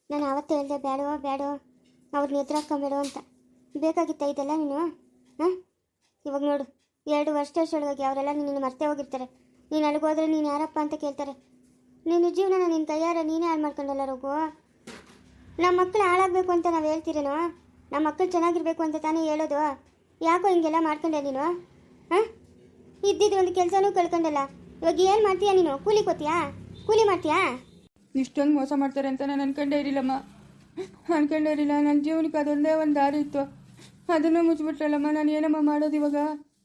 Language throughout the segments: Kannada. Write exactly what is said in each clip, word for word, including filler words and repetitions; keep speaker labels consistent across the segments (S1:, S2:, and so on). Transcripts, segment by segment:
S1: ನಾನು ಆವತ್ತೇ ಹೇಳಿದೆ ಬೇಡೋ ಬೇಡೋ ಅವ್ರನ್ನ ಎದುರಾಕೊಂಬೇಡೋ ಅಂತ. ಬೇಕಾಗಿತ್ತ ಇದೆಲ್ಲ ನೀನು? ಹಾಂ, ಇವಾಗ ನೋಡು, ಎರಡು ವರ್ಷ ಅಷ್ಟೊಳಗಾಗಿ ಅವರೆಲ್ಲ ನಿನ್ನ ಮರ್ತೇ ಹೋಗಿರ್ತಾರೆ. ನೀನು ಅಲ್ಲಿಗೋದ್ರೆ ನೀನು ಯಾರಪ್ಪ ಅಂತ ಕೇಳ್ತಾರೆ. ನಿನ್ನ ಜೀವನ ನಿನ್ನ ಕೈಯಾರ ನೀನೇ ಹಾಳು ಮಾಡ್ಕೊಂಡಲ್ಲ ರೋಗು. ನಮ್ಮ ಮಕ್ಕಳು ಹಾಳಾಗಬೇಕು ಅಂತ ನಾವು ಹೇಳ್ತೀರೇನೋ? ನಮ್ಮ ಮಕ್ಕಳು ಚೆನ್ನಾಗಿರ್ಬೇಕು ಅಂತ ತಾನೇ ಹೇಳೋದು. ಯಾಕೋ ಹಿಂಗೆಲ್ಲ ಮಾಡ್ಕೊಂಡೆ ನೀನು? ಹಾಂ, ಇದ್ದಿದ್ದು ಒಂದು ಕೆಲಸನೂ ಕಳ್ಕೊಂಡಲ್ಲ. ಇವಾಗ ಏನು ಮಾಡ್ತೀಯಾ ನೀನು? ಕೂಲಿ ಕೊತ್ತೀಯಾ? ಕೂಲಿ ಮಾಡ್ತೀಯಾ?
S2: ಇಷ್ಟೊಂದು ಮೋಸ ಮಾಡ್ತಾರೆ ಅಂತ ನಾನು ಅನ್ಕೊಂಡೇ ಇರಲಿಲ್ಲಮ್ಮ, ಅನ್ಕೊಂಡೇ ಇರಲಿಲ್ಲ. ನನ್ನ ಜೀವನಕ್ಕೆ ಅದೊಂದೇ ಒಂದು ದಾರಿ ಇತ್ತು, ಅದನ್ನು ಮುಚ್ಚಿಬಿಟ್ರಲ್ಲಮ್ಮ. ನಾನು ಏನಮ್ಮ ಮಾಡೋದು ಇವಾಗ?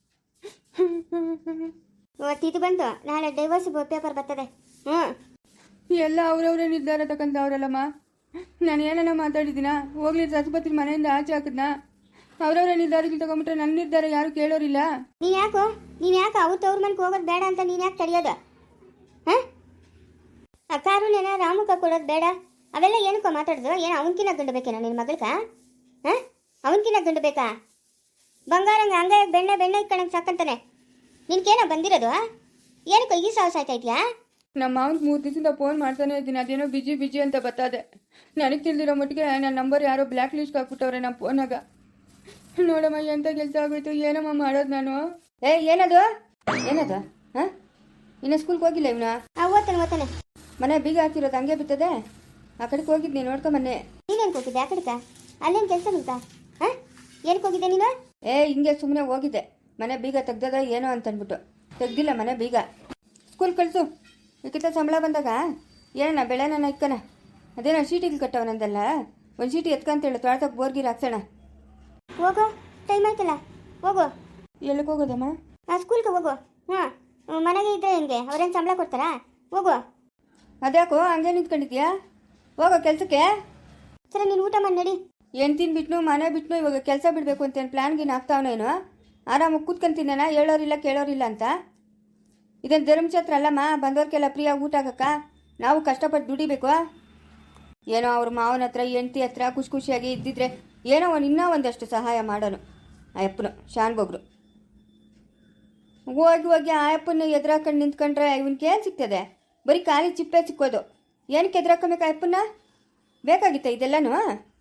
S1: ಇವತ್ತು ಇದು ಬಂತು, ನಾಳೆ ಡೈವರ್ಸ್ ಪೇಪರ್ ಬರ್ತದೆ. ಹ್ಞೂ,
S2: ಎಲ್ಲ ಅವ್ರವ್ರೇ ನಿರ್ಧಾರ ತಗೊಂಡವ್ರಲ್ಲಮ್ಮ. ನಾನು ಏನನ್ನ ಮಾತಾಡಿದ್ದೀನ? ಹೋಗ್ಲಿ, ಸರಸ್ವತಿ ಮನೆಯಿಂದ ಆಚೆ ಹಾಕಿದ್ನಾ? ಅವ್ರವ್ರೇ ನಿರ್ಧಾರಕ್ಕೆ ತಗೊಂಬಿಟ್ರೆ ನನ್ನ ನಿರ್ಧಾರ ಯಾರು ಕೇಳೋರಿಲ್ಲ.
S1: ನೀನು ಯಾಕೋ ನೀನು ಯಾಕೆ ಅವ್ರ ತವ್ರ ಮನೆಗೆ ಹೋಗೋದು ಬೇಡ ಅಂತ ನೀನು ಯಾಕೆ ತಡೆಯೋದು? ಹಾಂ, ಆ ಕಾರುಣ್ಯನ ರಾಮುಕ ಕೊಡೋದು ಬೇಡ, ಅವೆಲ್ಲ ಏನಕ್ಕೋ ಮಾತಾಡೋದು? ಏನು ಅವನಕಿನ ಗಂಡು ಬೇಕೇನೋ ನಿನ್ನ ಮಗಳ್ಕ? ಹಾಂ, ಅವನಕಿನ ಗಂಡು ಬೇಕಾ? ಬಂಗಾರಂಗ ಹಂಗಾಗ ಬೆಣ್ಣೆ ಬೆಣ್ಣೆ ಇಟ್ಕೊಂಡಂಗೆ ಸಾಕಂತಾನೆ. ನಿನ್ಗೇನೋ ಬಂದಿರೋದು? ಏನಕ್ಕೋ ಈ ಸಾಹಸ ಆಯ್ತಾ ಇದೆಯಾ?
S2: ನಮ್ಮ ಮಾವನ್ಗೆ ಮೂರು ದಿವಸದಿಂದ ಫೋನ್ ಮಾಡ್ತಾನೆ ಇದ್ದೀನಿ, ಅದೇನೋ ಬಿಜಿ ಬಿಜಿ ಅಂತ ಬರ್ತದೆ. ನನಗೆ ತಿಳಿದಿರೋ ಮಟ್ಟಿಗೆ ನನ್ನ ನಂಬರ್ ಯಾರೋ ಬ್ಲ್ಯಾಕ್ ಲಿಸ್ಟ್ ಹಾಕ್ಬಿಟ್ಟವ್ರೆ ನಮ್ಮ ಫೋನಾಗ. ನೋಡಮ್ಮ, ಎಂತ ಕೆಲಸ ಆಗೋಯ್ತು, ಏನಮ್ಮ ಮಾಡೋದು ನಾನು? ಏ, ಏನದು ಏನದು? ಹಾಂ, ಇನ್ನು ಸ್ಕೂಲ್ಗೆ ಹೋಗಿಲ್ಲ ಇವನ?
S1: ಆ ಓದ್ತಾನೆ ಓದ್ತಾನೆ.
S2: ಮನೆ ಬೀಗ ಹಾಕಿರೋದು ಹಂಗೆ ಬಿತ್ತದೆ. ಆ ಕಡೆಗೆ ಹೋಗಿದ್ನಿ, ನೋಡ್ಕೊಂಬನ್ನೆ.
S1: ನೀನೇನು ಹೋಗಿದ್ದೆ ಆ ಕಡೆಗ? ಅಲ್ಲೇನು ಕೆಲಸ ನಿಂತ? ಹಾಂ, ಏನಕ್ಕೆ ಹೋಗಿದ್ದೆ ನೀನು?
S2: ಏ, ಹಿಂಗೆ ಸುಮ್ಮನೆ ಹೋಗಿದ್ದೆ. ಮನೆ ಬೀಗ ತೆಗ್ದದ ಏನೋ ಅಂತಂದ್ಬಿಟ್ಟು ತೆಗ್ದಿಲ್ಲ ಮನೆ ಬೀಗ. ಸ್ಕೂಲ್ ಕಳಿಸು, ಇದಕ್ಕಿಂತ ಸಂಬಳ ಬಂದಾಗ ಏನಣ್ಣ ಬೆಳೆನ ಇಕ್ಕನ. ಅದೇನೋ ಶೀಟಿಗೆ ಕಟ್ಟವನಂದಲ್ಲ, ಒಂದು ಶೀಟಿ ಎತ್ಕಂತೇಳು, ತೊಳ್ತಕ್ಕೆ ಬೋರ್ಗಿರ್ ಹಾಕ್ಸೋಣ.
S1: ಹೋಗೋ, ಟೈಮ್ ಆಯ್ತಲ್ಲ, ಹೋಗು.
S2: ಎಲ್ಲಿಗೆ ಹೋಗೋದಮ್ಮ?
S1: ಆ ಸ್ಕೂಲ್ಗೆ ಹೋಗು. ಹಾಂ, ಮನೆಗೆ ಇದ್ದರೆ ಹೆಂಗೆ? ಅವ್ರೇನು ಸಂಬಳ ಕೊಡ್ತಾರಾ? ಹೋಗು.
S2: ಅದ್ಯಾಕೋ ಹಂಗೆ ನಿಂತ್ಕೊಂಡಿದ್ಯಾ? ಹೋಗೋ ಕೆಲಸಕ್ಕೆ.
S1: ಸರಿ, ನೀನು ಊಟ ಮಾಡಿ ನಡಿ.
S2: ಏನು ತಿನ್ಬಿಟ್ನು ಮನೆ ಬಿಟ್ನು ಇವಾಗ ಕೆಲಸ ಬಿಡಬೇಕು ಅಂತೇನು ಪ್ಲ್ಯಾನ್ಗಿನ ಆಗ್ತಾವನೇನು? ಆರಾಮಾಗಿ ಕೂತ್ಕೊಂತೀನೇನ, ಹೇಳೋರಿಲ್ಲ ಕೇಳೋರಿಲ್ಲ ಅಂತ? ಇದೇನು ಧರ್ಮಛತ್ರ ಅಲ್ಲಮ್ಮ, ಬಂದವ್ರಿಗೆಲ್ಲ ಫ್ರೀಯಾಗಿ ಊಟ ಆಗಕ್ಕ. ನಾವು ಕಷ್ಟಪಟ್ಟು ದುಡಿಬೇಕು. ಏನೋ ಅವ್ರ ಮಾವನ ಹತ್ರ ಹೆಂಡತಿ ಹತ್ರ ಖುಷಿ ಖುಷಿಯಾಗಿ ಇದ್ದಿದ್ರೆ ಏನೋ ಒಂದು ಇನ್ನೂ ಒಂದಷ್ಟು ಸಹಾಯ ಮಾಡೋನು. ಆ ಅಪ್ಪನು ಶಾನ್ ಬೊಗ್ರು ಹೋಗಿ ಹೋಗಿ ಆ ಅಪ್ಪನ ಎದುರಾಕೊಂಡು ನಿಂತ್ಕೊಂಡ್ರೆ ಇವನ್ಗೆ ಏನು ಸಿಗ್ತದೆ? ಬರೀ ಖಾಲಿ ಚಿಪ್ಪೆ ಸಿಕ್ಕೋದು. ಏನಕ್ಕೆ ಎದುರಾಕೊಬೇಕು? ಆ ಅಪ್ಪನ್ನ ಬೇಕಾಗಿತ್ತ ಇದೆಲ್ಲನೂ?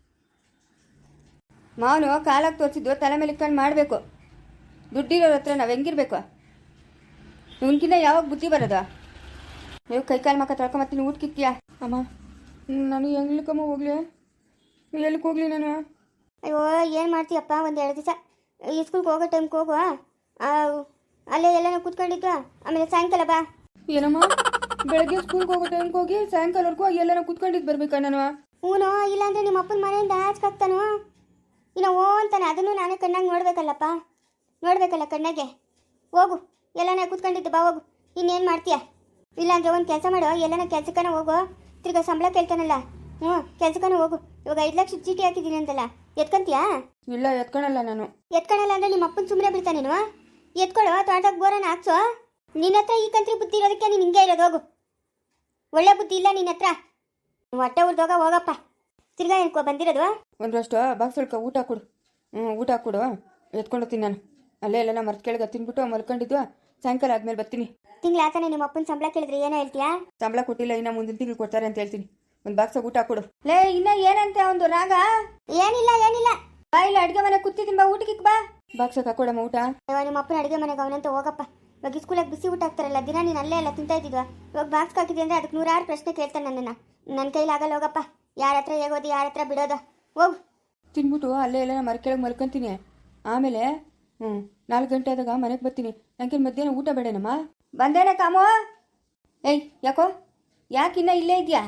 S2: ಮಾವನು ಕಾಲಾಗಿ ತೋರಿಸಿದ್ದು ತಲೆ ಮೇಲೆ ಇಟ್ಕೊಂಡು ಮಾಡಬೇಕು. ದುಡ್ಡಿರೋರ ಹತ್ರ ನಾವು ಹೆಂಗಿರ್ಬೇಕು? ಇವನ್ಕಿನ್ನ ಯಾವಾಗ ಬುದ್ಧಿ ಬರೋದು? ನೀವು ಕೈಕಾಲು ಮಕ್ಕ ತೊಳ್ಕೊಂಬತ್ತೀನಿ, ಊಟಕ್ಕಿತ್ತೀಯಾ? ಅಮ್ಮ, ನಾನು ಹೆಂಗ್ಲಿಕ್ಕಮ್ಮ ಹೋಗ್ಲಿ? ಎಲ್ಲಿಗೆ ಹೋಗ್ಲಿ ನಾನು?
S1: ಅಯ್ಯೋ, ಏನು ಮಾಡ್ತೀಯಪ್ಪ? ಒಂದು ಎರಡು ದಿವಸ ಈ ಸ್ಕೂಲ್ಗೆ ಹೋಗೋ ಟೈಮ್ಗೆ ಹೋಗುವ. ಅಲ್ಲೇ ಎಲ್ಲನೂ ಕೂತ್ಕೊಂಡಿದ್ದು, ಆಮೇಲೆ ಸಾಯಂಕಾಲ ಬಾ.
S2: ಏನಮ್ಮ, ಬೆಳಗ್ಗೆ ಸ್ಕೂಲ್ಗೆ ಹೋಗೋ ಟೈಮ್ಗೆ ಹೋಗಿ ಸಾಯಂಕಾಲವರೆಗೂ ಎಲ್ಲನೂ ಕೂತ್ಕೊಂಡಿದ್ದು ಬರ್ಬೇಕಾ ನಾನು?
S1: ಹ್ಞೂ, ಇಲ್ಲಾಂದ್ರೆ ನಿಮ್ಮ ಅಪ್ಪನ ಮನೆಯಿಂದ ಆಚೆಗಾಗ್ತಾನೋ ಇನ್ನು ಓ ಅಂತಾನೆ. ಅದನ್ನು ನಾನೇ ಕಣ್ಣಾಗಿ ನೋಡ್ಬೇಕಲ್ಲಪ್ಪ, ನೋಡ್ಬೇಕಲ್ಲ ಕಣ್ಣಾಗೆ. ಹೋಗು, ಎಲ್ಲನೇ ಕೂತ್ಕೊಂಡಿದ್ದು ಬಾ, ಹೋಗು. ಇನ್ನೇನು ಮಾಡ್ತೀಯ? ಇಲ್ಲಾಂದ್ರೆ ಒಂದು ಕೆಲಸ ಮಾಡೋ, ಎಲ್ಲನ ಕೆಲ್ಸಕ್ಕನ ಹೋಗು. ತಿರ್ಗಾ ಸಂಬಳ ಕೇಳ್ತಾನಲ್ಲ, ಹ್ಞೂ ಕೆಲ್ಸಕ್ಕನ ಹೋಗು. ಇವಾಗ ಐದು ಲಕ್ಷ ಚೀಟಿ ಹಾಕಿದ್ದೀನಿ ಅಂತಲ್ಲ, ಎತ್ಕೊಂತೀಯಾ?
S2: ಇಲ್ಲ, ಎತ್ಕೊಳಲ್ಲ ನಾನು.
S1: ಎತ್ಕೊಳಲ್ಲ ಅಂದ್ರೆ ನಿಮ್ಮ ಅಪ್ಪನ ಸುಮ್ಮನೆ ಬಿಡ್ತಾನೇನು? ಎತ್ಕೊಳ್ಳೋ, ತೋಟದಾಗ ಬೋರನ್ನ ಹಾಕ್ಸೋ. ನಿನ್ನ ಹತ್ರ ಈ ಕಂತ್ರಿ ಬುದ್ಧಿ ಇರೋದಕ್ಕೆ ನೀನು ಹಿಂಗೆ ಇರೋದು. ಹೋಗು, ಒಳ್ಳೆ ಬುದ್ಧಿ ಇಲ್ಲ ನಿನ್ನ ಹತ್ರ. ಹೊಟ್ಟೆ ಉರ್ದೋಗ ಹೋಗಪ್ಪ. ತಿರ್ಗಾ ಏನಕ್ಕೋ ಬಂದಿರೋದು?
S2: ಒಂದಷ್ಟು ಬಾಕ್ಸ್ ಒಳ್ಕ ಊಟ ಕೊಡು. ಹ್ಞೂ, ಊಟ ಕೊಡು, ಎತ್ಕೊಂಡೋಗ್ತೀನಿ ನಾನು. ಅಲ್ಲೇ ಎಲ್ಲ ಮರ್ತು ಕೆಳಗೆ ತಿನ್ಬಿಟ್ಟು ಮಲ್ಕೊಂಡಿದ್ದು. ಸಾಯಂಕಾಲ ಆದ್ಮೇಲೆ ಬರ್ತೀನಿ.
S1: ತಿಂಗಳ ಆತಾನೆ ನಿಮ್ಮ ಅಪ್ಪನ ಸಂಬಳ ಕೇಳಿದ್ರೆ ಏನೋ ಹೇಳ್ತೀಯಾ?
S2: ಸಂಬಳ ಕೊಟ್ಟಿಲ್ಲ, ಇನ್ನು ಮುಂದಿನ ತಿಂಗಳು ಕೊಡ್ತಾರೆ ಅಂತ ಹೇಳ್ತೀನಿ. ಒಂದು ಬಾಕ್ಸ್ ಊಟ ಕೊಡು. ಲೇ, ಇನ್ನ ಏನಂತ ಒಂದು ರಾಗ?
S1: ಏನಿಲ್ಲ ಏನಿಲ್ಲ,
S2: ಬಾ, ಇಲ್ಲ ಅಡುಗೆ ಮನೆ ಕೂತಿದ್ದೀನಿ, ಬಾ ಊಟಕ್ಕೆ ಬಾ. ಬಾಕ್ಸ್ ಹಾಕೊಡಮ್ಮ ಊಟ.
S1: ಇವಾಗ ನಿಮ್ಮ ಅಪ್ಪನ ಅಡುಗೆ ಮನೆಗೆ ಅವನಂತ ಹೋಗಪ್ಪ. ಇವಾಗ ಸ್ಕೂಲಾಗ ಬಿಸಿ ಊಟ ಹಾಕ್ತಾರಲ್ಲ, ದಿನ ನೀನು ಅಲ್ಲೇ ಎಲ್ಲ ತಿಂತಾ ಇದ್ದಿದ್ವಾ? ಇವಾಗ ಬಾಕ್ಸ್ ಹಾಕಿದೆ ಅಂದರೆ ಅದಕ್ಕೆ ನೂರಾರು ಪ್ರಶ್ನೆ ಕೇಳ್ತಾನೆ ನನ್ನನ್ನು. ನನ್ನ ಕೈಲಿ ಆಗಲ್ಲ, ಹೋಗಪ್ಪ. ಯಾರ ಹತ್ರ ಹೇಗೋದು, ಯಾರ ಹತ್ರ ಬಿಡೋದು? ಹೋಗು.
S2: ತಿನ್ಬಿಟ್ಟು ಅಲ್ಲೇ ಎಲ್ಲ ಮರ ಕೆಳಗೆ ಮಲ್ಕೊಂತೀನಿ. ಆಮೇಲೆ ಹ್ಞೂ ನಾಲ್ಕು ಗಂಟೆ ಆದಾಗ ಮನೆಗೆ ಬರ್ತೀನಿ. ನನಗೆ ಮಧ್ಯಾಹ್ನ ಊಟ ಬೇಡನಮ್ಮ. ಬಂದೇನೆ ಕಾಮೋ. ಏಯ್, ಯಾಕೋ ಯಾಕೆ ಇನ್ನೂ ಇಲ್ಲೇ ಇದೆಯಾ?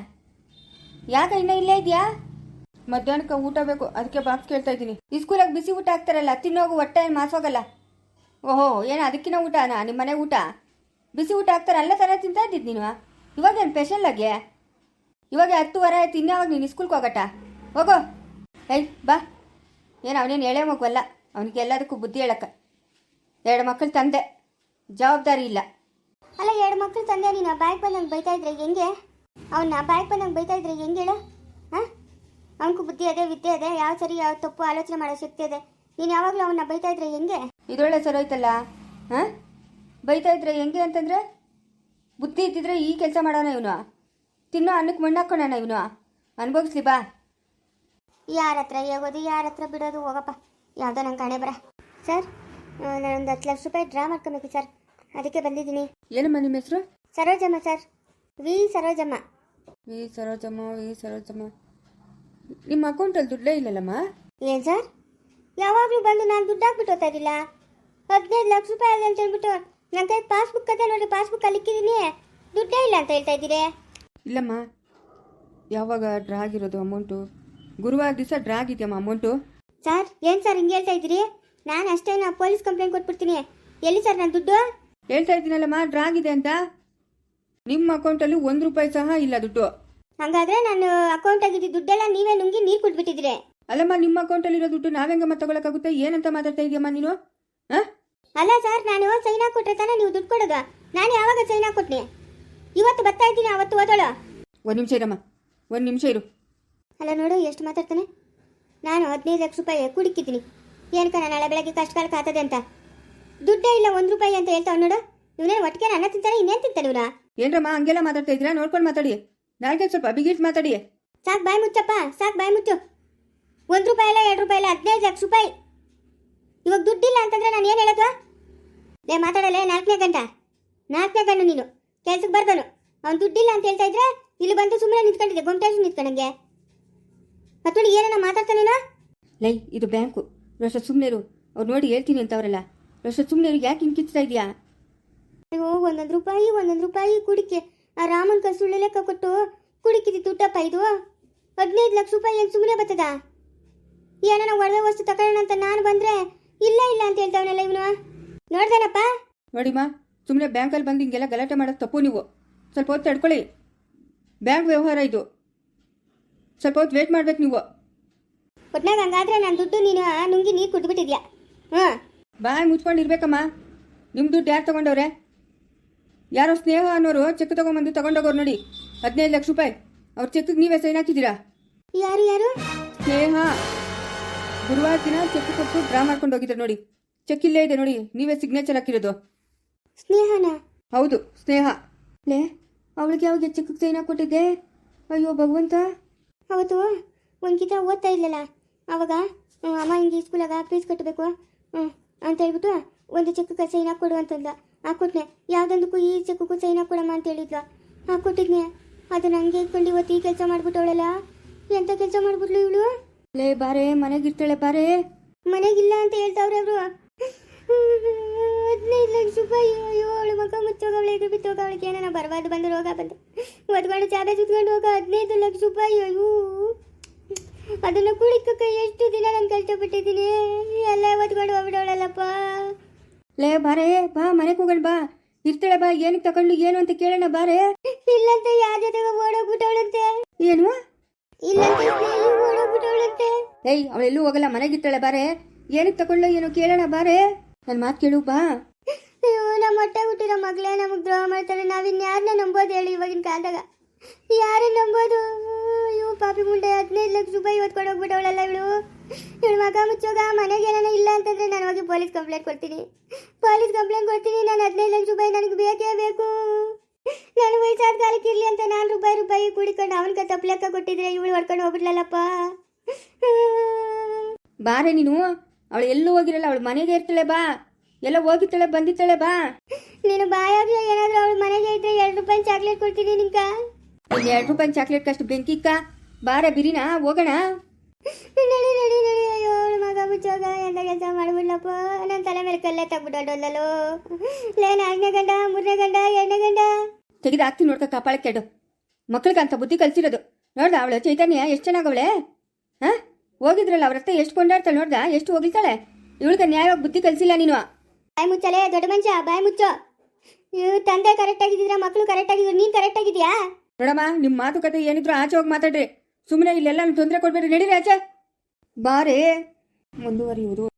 S2: ಯಾಕೆ ಇನ್ನೂ ಇಲ್ಲೇ ಇದೆಯಾ? ಮಧ್ಯಾಹ್ನಕ್ಕೆ ಊಟ ಬೇಕು, ಅದಕ್ಕೆ ಬಾಕ್ಸ್ ಕೇಳ್ತಾ ಇದ್ದೀನಿ. ಈ ಸ್ಕೂಲಾಗ ಬಿಸಿ ಊಟ ಹಾಕ್ತಾರಲ್ಲ, ತಿನ್ನೋಗು, ಹೊಟ್ಟೆ ಏನು ಮಾಸೋಗಲ್ಲ. ಓಹೋ, ಏನು ಅದಕ್ಕಿನ್ನ ಊಟನಾ ನಿಮ್ಮ ಮನೆ ಊಟ? ಬಿಸಿ ಊಟ ಹಾಕ್ತಾರೆ, ಅಲ್ಲೇ ಥರ ತಿಂತಾ ಇದ್ದಿದ್ದು ನೀನು. ಇವಾಗೇನು ಸ್ಪೆಷಲ್ಲಾಗಿ? ಇವಾಗ ಹತ್ತುವರೆ ಆಯ್ತು, ಇನ್ಯಾವಾಗ ನೀನು ಸ್ಕೂಲ್ಗೆ ಹೋಗಟ್ಟ? ಹೋಗೋ. ಏಯ್, ಬಾ. ಏನು ಅವನೇನು ಎಳೆ ಮಗುವಲ್ಲ, ಅವನಿಗೆ ಎಲ್ಲದಕ್ಕೂ ಬುದ್ಧಿ ಹೇಳಕ್ಕ. ಎರಡು ಮಕ್ಕಳು ತಂದೆ, ಜವಾಬ್ದಾರಿ ಇಲ್ಲ.
S1: ಅಲ್ಲ, ಎರಡು ಮಕ್ಕಳು ತಂದೆ ನೀನು ಬಾಯ್ಗೆ ಬಂದಂಗೆ ಬೈತಾ ಇದ್ರೆ ಹೆಂಗೆ? ಅವನ್ನ ಬಾಯ್ಗೆ ಬಂದಂಗೆ ಬೈತಾ ಇದ್ರೆ ಹೆಂಗೆ ಹೇಳು? ಹಾಂ, ಅವನಿಗೂ ಬುದ್ಧಿ ಅದೇ, ವಿದ್ಯೆ ಅದೇ, ಯಾವ ಸರಿ ಯಾವ ತಪ್ಪು ಆಲೋಚನೆ ಮಾಡೋ ಶಕ್ತಿ ಅದೇ. ನೀನು ಯಾವಾಗಲೂ ಅವನ್ನ ಬೈತಾ ಇದ್ರೆ ಹೆಂಗೆ?
S2: ಇದೊಳ್ಳೆ ಸರೋಯ್ತಲ್ಲ. ಹಾಂ, ಬೈತಾ ಇದ್ರೆ ಹೆಂಗೆ ಅಂತಂದರೆ, ಬುದ್ಧಿ ಇದ್ದಿದ್ರೆ ಈ ಕೆಲಸ ಮಾಡೋಣ ಇವನು. ತಿನ್ನೋ ಅನ್ನಕ್ಕೆ ಮಣ್ಣು ಹಾಕೋಣ ಇವನು. ಅನುಭವಿಸ್ಲಿ ಬಾ.
S1: ಯಾರ ಹತ್ರ ಹೋಗೋದು ಯಾರ ಹತ್ರ ಬಿಡೋದು ಹೋಗಪ್ಪ, ಯಾವುದೋ ನಂಗೆ ಕಾಣೆ ಬರ. ಸರ್, ನಾನೊಂದು ಹತ್ತು ಲಕ್ಷ ರೂಪಾಯಿ ಡ್ರಾ ಮಾಡ್ಕೊಬೇಕು ಸರ್, ಅದಕ್ಕೆ ಬಂದಿದ್ದೀನಿ.
S2: ಏನಮ್ಮ ನಿಮ್ಮ ಹೆಸರು?
S1: Sarojamma sir, V Sarojamma.
S2: V Sarojamma, V Sarojamma. ನಿಮ್ಮ ಅಕೌಂಟಲ್ಲಿ ದುಡ್ಡೇ ಇಲ್ಲಲ್ಲಮ್ಮ?
S1: ಏನು ಸರ್, ಯಾವಾಗಲೂ ಬಂದು ನಾನು ದುಡ್ಡು ಹಾಕ್ಬಿಟ್ಟು ಹೋಗ್ತಾ ಇದ್ದಿಲ್ಲ. ಹದಿನೈದು ಲಕ್ಷ ರೂಪಾಯಿ ಅದ ಅಂತ ಹೇಳ್ಬಿಟ್ಟು ನನ್ನ ಕೈ ಪಾಸ್ಬುಕ್ ಅದೇ ನೋಡಿ, ಪಾಸ್ಬುಕ್ಕಲ್ಲಿ ಇಕ್ಕಿದ್ದೀನಿ, ದುಡ್ಡೇ ಇಲ್ಲ ಅಂತ ಹೇಳ್ತಾ ಇದ್ದೀರಿ.
S2: ಇಲ್ಲಮ್ಮ, ಯಾವಾಗ ಡ್ರಾ ಆಗಿರೋದು ಅಮೌಂಟು? ಗುರುವಾರ ದಿವಸ ಡ್ರಾ ಆಗಿದೆಯಮ್ಮ ಅಮೌಂಟು.
S1: ಸರ್, ಏನು ಸರ್ ಹಿಂಗೆ ಹೇಳ್ತಾ ಇದ್ದೀರಿ? ನಾನು ಅಷ್ಟೇ ನಾ ಪೊಲೀಸ್ ಕಂಪ್ಲೇಂಟ್ ಕೊಟ್ಬಿಡ್ತೀನಿ. ಎಲ್ಲಿ ಸರ್ ನನ್ನ ದುಡ್ಡು?
S2: ಹೇಳ್ತಾ ಇದ್ದೀನಲ್ಲಮ್ಮ ಡ್ರಾ ಆಗಿದೆ ಅಂತ. ನಿಮ್ಮ ಅಕೌಂಟಲ್ಲಿ ಒಂದು ರೂಪಾಯಿ ಸಹ ಇಲ್ಲ ದುಡ್ಡು.
S1: ಹಾಗಾದ್ರೆ ನಾನು ಅಕೌಂಟ್ ಆಗಿದ್ದು ದುಡ್ಡೆಲ್ಲ ನೀವೇ ನುಂಗಿ ನೀರು ಕುಟ್ಬಿಟ್ಟಿದ್ದೀರಿ.
S2: ಅಲ್ಲಮ್ಮ, ನಿಮ್ಮ ಅಕೌಂಟಲ್ಲಿರೋ ದುಡ್ಡು ನಾವೆಂಗಮ್ಮ ತಗೊಳಕ್ಕಾಗುತ್ತೆ? ಏನಂತ ಮಾತಾಡ್ತಾ ಇದೆಯಮ್ಮ ನೀನು? ಹಾಂ,
S1: ಅಲ್ಲ ಸರ್, ನಾನು ಸೈನ್ ಹಾಕೊಟ್ರೆ ತಾನೇ ನೀವು ದುಡ್ಡು ಕೊಡೋದು. ನಾನು ಯಾವಾಗ ಸೈನ್ ಹಾಕೊಟ್ನಿ? ಇವತ್ತು ಬರ್ತಾ ಇದ್ದೀನಿ, ಅವತ್ತು ಓದೋಳು.
S2: ಒಂದು ನಿಮಿಷ ಇರಮ್ಮ, ಒಂದು ನಿಮಿಷ ಇರು.
S1: ಅಲ್ಲ ನೋಡು ಎಷ್ಟು ಮಾತಾಡ್ತಾನೆ. ನಾನು ಹದಿನೈದು ಲಕ್ಷ ರೂಪಾಯಿ ಕುಡಿಕಿದ್ದೀನಿ, ಏನಕ್ಕ ನಾಳೆ ಬೆಳಗ್ಗೆ ಕಷ್ಟ ಕಾಲಕ್ಕೆ ಆಗ್ತದೆ ಅಂತ. ದುಡ್ಡೇ ಇಲ್ಲ ಒಂದು ರೂಪಾಯಿ ಅಂತ ಹೇಳ್ತಾವ್ ನೋಡು. ಇವನೇನು ಒಟ್ಟಿಗೆ ಅನ್ನ ತಿಂತಾನೆ, ಇನ್ನೇನು ತಿಂತಾನೆ ಇವನ?
S2: ಏನ್ರಮ್ಮ ಹಂಗೆಲ್ಲ ಮಾತಾಡ್ತಾ ಇದ್ದೀರಾ? ನೋಡ್ಕೊಂಡು ಮಾತಾಡಿ. ನಾಲ್ಕೆ ಸ್ವಲ್ಪ ಬಿಗಿಟ್ ಮಾತಾಡಿ.
S1: ಸಾಕು ಬಾಯ್ ಮುಚ್ಚಪ್ಪ, ಸಾಕು ಬಾಯ್ ಮುಚ್ಚು. ಒಂದು ರೂಪಾಯಿ ಇಲ್ಲ, ಎರಡು ರೂಪಾಯಿ ಇಲ್ಲ, ಹದಿನೈದು ಲಕ್ಷ ರೂಪಾಯಿ. ಇವಾಗ ದುಡ್ಡಿಲ್ಲ ಅಂತಂದ್ರೆ ನಾನು ಏನು ಹೇಳೋದು? ಲೇ ಮಾತಾಡಲ್ಲ, ನಾಲ್ಕನೇ ಗಂಟ ನಾಲ್ಕನೇ ಗಂಡು ನೀನು ಕೆಲ್ಸಕ್ಕೆ ಬರ್ದನು. ಅವ್ನು ದುಡ್ಡಿಲ್ಲ ಅಂತ ಹೇಳ್ತಾ ಇದ್ರೆ ಇಲ್ಲಿ ಬಂದು ಸುಮ್ಮನೆ ನಿಂತ್ಕೊಂಡಿದ್ದೆ, ಗೊಮ್ಟೇಶ್ ನಿಂತ್ಕೊಂಡಂಗೆ. ಮತ್ತೊಂದು ಏನನ್ನ ಮಾತಾಡ್ತಾನೇನೋ?
S2: ಲೈ, ಇದು ಬ್ಯಾಂಕು. ರೋಷ ಸುಮ್ಮನೆ ಇರು, ಅವ್ರು ನೋಡಿ ಹೇಳ್ತೀನಿ ಅಂತವ್ರಲ್ಲ. ರೋಷ ಸುಮ್ಮನೆ ಇರು, ಯಾಕೆ ಹಿಂಗಿಸ್ತಾ ಇದೆಯಾ?
S1: ಅಯ್ಯೋ, ಒಂದೊಂದು ರೂಪಾಯಿ ಒಂದೊಂದು ರೂಪಾಯಿ ಕುಡಿಕೆ ಆ ರಾಮನ್ ಕಸುಳ್ಳೆ ಲೆಕ್ಕ ಕೊಟ್ಟು ಕುಡಿಕಿದಿ ದುಡ್ಡಪ್ಪ ಇದು. ಹದಿನೈದು ಲಕ್ಷ ರೂಪಾಯಿ ಏನು ಸುಮ್ಮನೆ ಬರ್ತದ? ಏನೋ ಒಡವೆ ವಸ್ತು ತಗೊಳ್ಳೋಣ ಅಂತ ನಾನು ಬಂದರೆ ಇಲ್ಲ ಇಲ್ಲ ಅಂತ ಹೇಳ್ತಾವನಲ್ಲ ಇವನು. ನೋಡ್ದೇನಪ್ಪ?
S2: ನೋಡಿಮ್ಮ, ಸುಮ್ಮನೆ ಬ್ಯಾಂಕಲ್ಲಿ ಬಂದು ಹಿಂಗೆಲ್ಲ ಗಲಾಟೆ ಮಾಡೋದು ತಪ್ಪು. ನೀವು ಸ್ವಲ್ಪ ಹೊತ್ತು ತಡ್ಕೊಳ್ಳಿ. ಬ್ಯಾಂಕ್ ವ್ಯವಹಾರ ಇದು, ಸ್ವಲ್ಪ ಹೊತ್ತು ವೇಟ್ ಮಾಡ್ಬೇಕು ನೀವು.
S1: ಒಟ್ನಾಗ ಹಂಗಾದ್ರೆ ನಾನು ದುಡ್ಡು ನೀನು ನುಂಗಿ ನೀರು ಕುಡ್ಬಿಟ್ಟಿದ್ಯಾ? ಹಾಂ,
S2: ಬಾಯ್ ಮುಚ್ಕೊಂಡಿರ್ಬೇಕಮ್ಮ. ನಿಮ್ಮ ದುಡ್ಡು ಯಾರು ತಗೊಂಡವ್ರೆ? ಯಾರೋ ಸ್ನೇಹ ಅನ್ನೋರು ಚೆಕ್ ತಗೊಂಬಂದು ತಗೊಂಡೋಗೋರು ನೋಡಿ, ಹದಿನೈದು ಲಕ್ಷ ರೂಪಾಯಿ. ಅವ್ರ ಚೆಕ್ಗೆ ನೀವೇ ಸೈನ್ ಹಾಕಿದ್ದೀರಾ?
S1: ಯಾರು ಯಾರು?
S2: ಸ್ನೇಹ. ಗುರುವಾರ ದಿನ ಚೆಕ್ ಕೊಟ್ಟು ಡ್ರಾ ಮಾಡ್ಕೊಂಡು ಹೋಗಿದ್ದಾರೆ ನೋಡಿ. ಚೆಕ್ ಇಲ್ಲೇ ಇದೆ ನೋಡಿ, ನೀವೇ ಸಿಗ್ನೇಚರ್ ಹಾಕಿರೋದು.
S1: ಸ್ನೇಹನ?
S2: ಹೌದು, ಸ್ನೇಹ. ಲೇ, ಅವಳಿಗೆ ಯಾವಾಗ ಚೆಕ್ ಸೈನ್ ಹಾಕ್ಕೊಟ್ಟಿದ್ದೆ? ಅಯ್ಯೋ ಭಗವಂತ.
S1: ಅವತ್ತು ಒಂದು ಕಿತ ಓದ್ತಾ ಇಲ್ಲಲ್ಲ, ಅವಾಗ ಅಮ್ಮ ಹಿಂಗೆ ಸ್ಕೂಲಾಗ ಫೀಸ್ ಕಟ್ಟಬೇಕು ಹ್ಞೂ ಅಂತ ಹೇಳ್ಬಿಟ್ಟು ಒಂದು ಚೆಕ್ಗೆ ಸೈನ್ ಹಾಕ್ಕೊಡು ಅಂತಂದ. ಹಾಕ್ಕೊಟ್ನೆ. ಯಾವುದೊಂದಕ್ಕೂ ಈ ಚೆಕ್ಗೂ ಸೈನ್ ಹಾಕ್ಕೊಡಮ್ಮ ಅಂತ ಹೇಳಿದ್ಲು, ಹಾಕ್ಕೊಟ್ಟಿದ್ನೆ. ಅದನ್ನ ಹಂಗೆ ಇಟ್ಕೊಂಡು ಇವತ್ತು ಈ ಕೆಲಸ ಮಾಡ್ಬಿಟ್ಟವಳಲ್ಲ. ಎಂಥ ಕೆಲಸ ಮಾಡ್ಬಿಟ್ಲು ಇವಳು?
S2: ಲೇ ಬಾರೆ, ಮನೆಗಿರ್ತಾಳೆ ಬಾರೆ.
S1: ಮನೆಗಿಲ್ಲ ಅಂತ ಹೇಳ್ತಾವ್ರೆ ಅವರು. ಹದಿನೈದು ಲಕ್ಷ ರೂಪಾಯಿ. ಅಯ್ಯೋ, ಅವಳು ಮಕ್ಕ ಮುಚ್ಚೋಗವಳೆ, ಇದು ಬಿತ್ತೋಗವಳಿಗೆ ಏನಾರ ಬರಬಾರ್ದು ಬಂದು ರೋಗ ಬಂದು ಒದ್ಕೊಂಡು ಚಾಬೆ ಸುತ್ಕೊಂಡು ಹೋಗ. ಹದಿನೈದು ಲಕ್ಷ ರೂಪಾಯಿ. ಅಯ್ಯೋ, ಅದನ್ನು ಕುಳಿಕಕ್ಕೆ ಎಷ್ಟು ದಿನ ನಾನು ಕಷ್ಟಪಟ್ಟಿದ್ದೀನಿ. ಎಲ್ಲ ಒದ್ಕೊಂಡು ಹೋಗ್ಬಿಡವಳಲ್ಲಪ್ಪ.
S2: ಲೇ ಬಾರೆ, ಬಾ ಮನೆಗೆ ಹೋಗೋಣ ಬಾ. ಇರ್ತಾಳೆ ಬಾ. ಏನಕ್ಕೆ ತಗೊಂಡು ಏನು ಅಂತ ಕೇಳೋಣ ಬಾರೆ.
S1: ಇಲ್ಲಂತೆ ಯಾರ ಜೊತೆಗೆ ಓಡೋಗ್ಬಿಟ್ಟವಳಂತೆ.
S2: ಏನು?
S1: ಇಲ್ಲಂತೆ ಓಡೋಗ್ಬಿಟ್ಟವಳಂತೆ.
S2: ಏಯ್, ಅವಳೆಲ್ಲೂ ಹೋಗಲ್ಲ, ಮನೆಗಿರ್ತಾಳೆ ಬಾರೆ. ಏನಕ್ಕೆ ತಗೊಂಡು ಏನು ಕೇಳೋಣ ಬಾರೆ. ನನ್ನ ಮಾತು ಕೇಳು ಬಾ.
S1: ಅಯ್ಯೋ, ನಮ್ಮ ಹೊಟ್ಟೆ ಹುಟ್ಟಿರೋ ಮಗಳೇ ನಮಗೆ ದ್ರೋಹ ಮಾಡ್ತಾರೆ. ನಾವಿನ್ಯಾರನ್ನ ನಂಬೋದು ಹೇಳಿ ಇವಾಗಿನ ಕಾಲದಾಗ? ಯಾರನ್ನ ನಂಬೋದು? ಅಯ್ಯೋ ಪಾಪಿ ಮುಂಡೆ, ಹದಿನೈದು ಲಕ್ಷ ರೂಪಾಯಿ ಇವತ್ತು ಹೋಗ್ಬಿಟ್ಟವಳಲ್ಲ ಇವಳು. ಇವಳು ಮಗ ಮುಚ್ಚೋಗ. ಮನೆಗೆ ಏನಾನ ಇಲ್ಲ ಅಂತಂದ್ರೆ ನಾನು ಹೋಗಿ ಪೊಲೀಸ್ ಕಂಪ್ಲೇಂಟ್ ಕೊಡ್ತೀನಿ. ಪೊಲೀಸ್ ಕಂಪ್ಲೇಂಟ್ ಕೊಡ್ತೀನಿ. ನಾನು ಹದಿನೈದು ಲಕ್ಷ ರೂಪಾಯಿ ನನಗೆ ಬೇಕೇ ಬೇಕು. ನಾನು ವಯಸ್ಸಾದ ಕಾಲಕ್ಕೆ ಇರಲಿ ಅಂತ ನಾನು ರೂಪಾಯಿ ರೂಪಾಯಿ ಕುಡಿಕೊಂಡು ಅವನಿಗೆ ತಪ್ಪು ಲೆಕ್ಕ ಕೊಟ್ಟಿದ್ರೆ ಇವಳು ಹೊಡ್ಕೊಂಡು ಹೋಗ್ಬಿಡ್ಲಲ್ಲಪ್ಪ.
S2: ಬಾರೆ ನೀನು. ಅವಳು ಎಲ್ಲೂ ಹೋಗಿರಲ್ಲ, ಅವಳು ಮನೆಗೆ ಇರ್ತಾಳೆ ಬಾ. ಎಲ್ಲ ಹೋಗಿರ್ತಾಳೆ ಬಂದಿರ್ತಾಳೆ ಬಾ.
S1: ನೀನು ಬಾಯಾಗ ಏನಾದರೂ ಅವಳು ಮನೆಗೆ ಇದ್ರೆ ಎರಡು ರೂಪಾಯಿ ಚಾಕ್ಲೇಟ್ ಕೊಡ್ತೀನಿ ನಿಂಕ.
S2: ಒಂದು ಎರಡು ರೂಪಾಯಿ ಚಾಕ್ಲೇಟ್ ಕಷ್ಟು ಬೆಂಕಿಕ್ಕ ಬಾರೆ. ಬಿರಿನಾ ಹೋಗೋಣ?
S1: ನಡಿ ನಡಿ ನಡಿ. ಅಯ್ಯೋ, ಅವಳು ಮಗ ಮುಚ್ಚೋಗ. ಎಂತ ಕೆಲಸ ಮಾಡ್ಬಿಡ್ಲಪ್ಪ. ನನ್ನ ತಲೆ ಮೇಲೆ ಕಲ್ಲೇ ತಗ್ಬಿಟ್ಟಲ್ಲೋ. ಲೇ, ನಾಲ್ಕನೇ ಗಂಡ, ಮೂರನೇ ಗಂಡ, ಎರಡನೇ ಗಂಡ
S2: ತೆಗೆದು ಹಾಕ್ತೀನಿ ನೋಡ್ಕ. ಕಾಪಾಳ ಕೆಡು ಮಕ್ಳಿಗೆ ಅಂತ ಬುದ್ಧಿ ಕಲಿಸಿರೋದು ನೋಡ್ದ. ಅವಳು ಚೈತನ್ಯ ಎಷ್ಟು ಚೆನ್ನಾಗವಳೆ. ಹಾಂ, ಹೋಗಿದ್ರಲ್ಲ ಅವ್ರ ಹತ್ರ ಎಷ್ಟು ಕೊಂಡಾಡ್ತಾಳೆ ನೋಡ್ದ, ಎಷ್ಟು ಹೋಗಿರ್ತಾಳೆ. ಇವಳಿಗೆ ನ್ಯಾಯವಾಗಿ ಬುದ್ಧಿ ಕಲಿಸಿಲ್ಲ ನೀನು.
S1: ಬಾಯ್ ಮುಚ್ಚಲೇ ದೊಡ್ಡ ಮನುಷ್ಯ, ಬಾಯ್ ಮುಚ್ಚೋ. ಇವ್ ತಂದೆ ಕರೆಕ್ಟ್ ಆಗಿದ್ದೀರಾ, ಮಕ್ಕಳು ಕರೆಕ್ಟ್ ಆಗಿದ್ರು, ನೀನು ಕರೆಕ್ಟ್ ಆಗಿದ್ಯಾ?
S2: ನೋಡಮ್ಮ, ನಿಮ್ಮ ಮಾತುಕತೆ ಏನಿದ್ರು ಆಚೆ ಹೋಗಿ ಮಾತಾಡ್ರಿ. ಸುಮ್ಮನೆ ಇಲ್ಲೆಲ್ಲ ತೊಂದರೆ ಕೊಡ್ಬೇಡ್ರಿ. ನಡೀರಿ ಆಚೆ ಬಾರೆ. ಮುಂದುವರಿಯುವುದು.